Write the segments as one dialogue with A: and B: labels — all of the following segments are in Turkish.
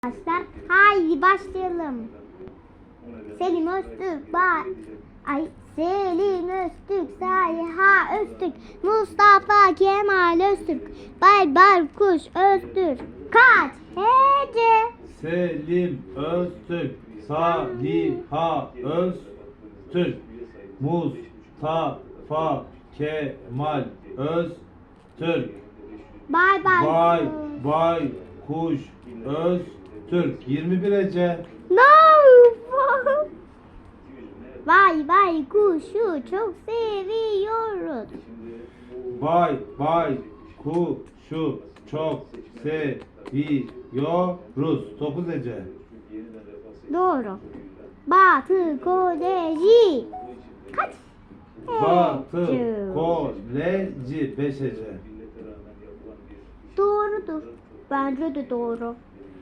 A: Arkadaşlar haydi başlayalım. Selim Öztürk, Selim Öztürk, Saliha Öztürk, Mustafa Kemal Öztürk, Baykuş Öztürk. Kaç hece?
B: Selim Öztürk, Saliha Öztürk, Mustafa Kemal Öztürk, Baykuş Öztürk. 21 Ece.
A: No. Vay kuşu çok seviyoruz.
B: Baykuşu çok seviyoruz. 9 Ece.
A: Doğru. Batı Koleji. Kaç?
B: Batı
A: hece?
B: Koleji 5 Ece.
A: Doğrudur. Bence de doğru.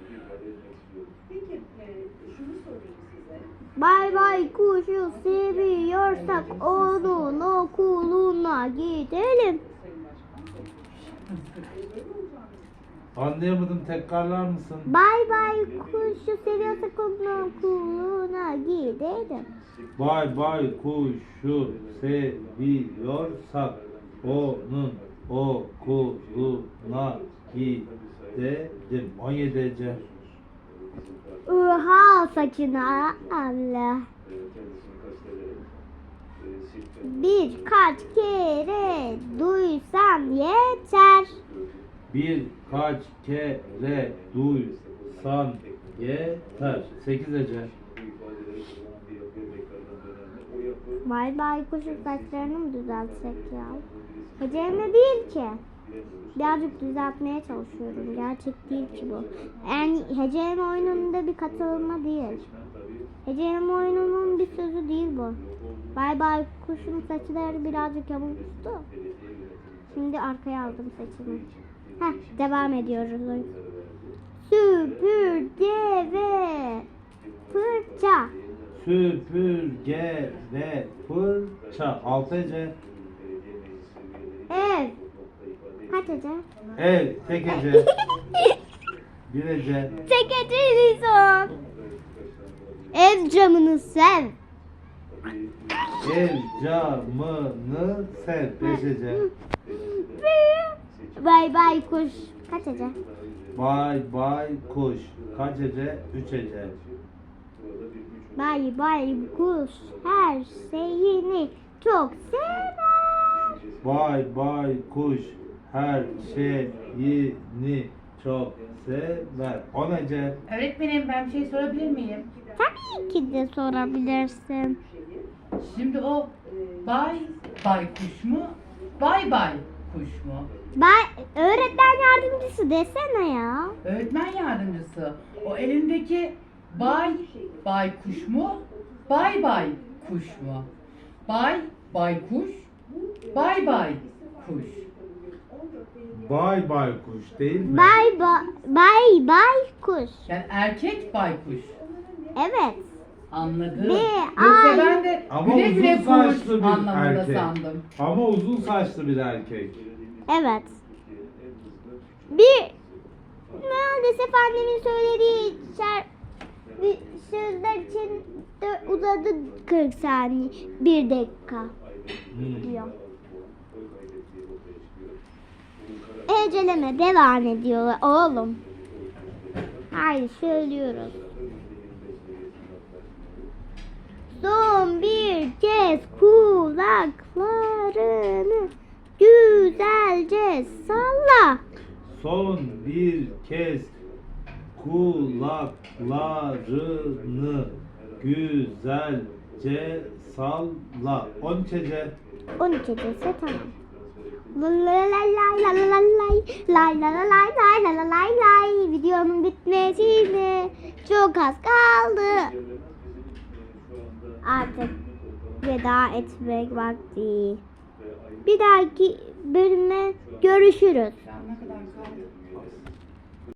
C: Peki, şunu sorayım size.
A: Kuşu seviyorsak onun okuluna gidelim.
B: Anlayamadım, tekrarlar mısın?
A: Kuşu seviyorsak onun okuluna gidelim.
B: Baykuşu seviyorsak onun okuluna gidelim. 17 Ece.
A: Saçına Allah. Birkaç kere duysan yeter.
B: Birkaç kere duysan yeter. 8 Ece.
A: Kuşun saçlarını mı düzeltsek ya? Hecemle değil ki. Birazcık düzeltmeye çalışıyorum. Gerçek değil ki bu. Yani Hecem oyununda bir katılma değil. Hecem oyununun bir sözü değil bu. Kuşun saçları birazcık yamulmuştu. Şimdi arkaya aldım saçımı. Devam ediyoruz. Süpürge ve fırça.
B: Süpürge ve fırça. 6 Ece.
A: Ev. Kaç Ece?
B: Ev. Tek Ece. 1 Ece.
A: Tek Ece son. Ev camını sev.
B: Ev camını sev. 5 Ece.
A: Kuş. Kaç Ece?
B: Kuş. Kaç Ece? 3 Ece.
A: Kuş her şeyini çok sever.
B: Kuş her şeyini çok sever. 10 Ece.
D: Öğretmenim, ben bir şey sorabilir miyim?
A: Tabii ki de sorabilirsin.
D: Şimdi o baykuş mu? Baykuş mu?
A: Öğretmen yardımcısı desene ya.
D: Öğretmen yardımcısı. O elindeki baykuş mu? Baykuş mu? Baykuş. Baykuş.
B: Baykuş değil mi?
A: Kuş.
D: Yani erkek baykuş.
A: Evet.
D: Anladım.
A: Ve
D: Yoksa ben de
B: Ama
D: güle güle
B: uzun saçlı
D: kuş
B: bir
D: anlamında
B: erkek.
D: sandım.
B: Ama uzun saçlı bir erkek.
A: Evet. Maalesef annemin söylediği sözler için de uzadı 40 saniye. 1 dakika diyor. Eceleme devam ediyorlar oğlum. Hayır söylüyoruz. Son bir kez kulaklarını güzelce salla.
B: Son bir kez kulaklarını güzelce salla. 13 Ece.
A: 12 dese tamam. Lay. Videonun bitmesine çok az kaldı. Artık veda etmek vakti. Bir dahaki bölüme görüşürüz.
D: Ne kadar kaldı?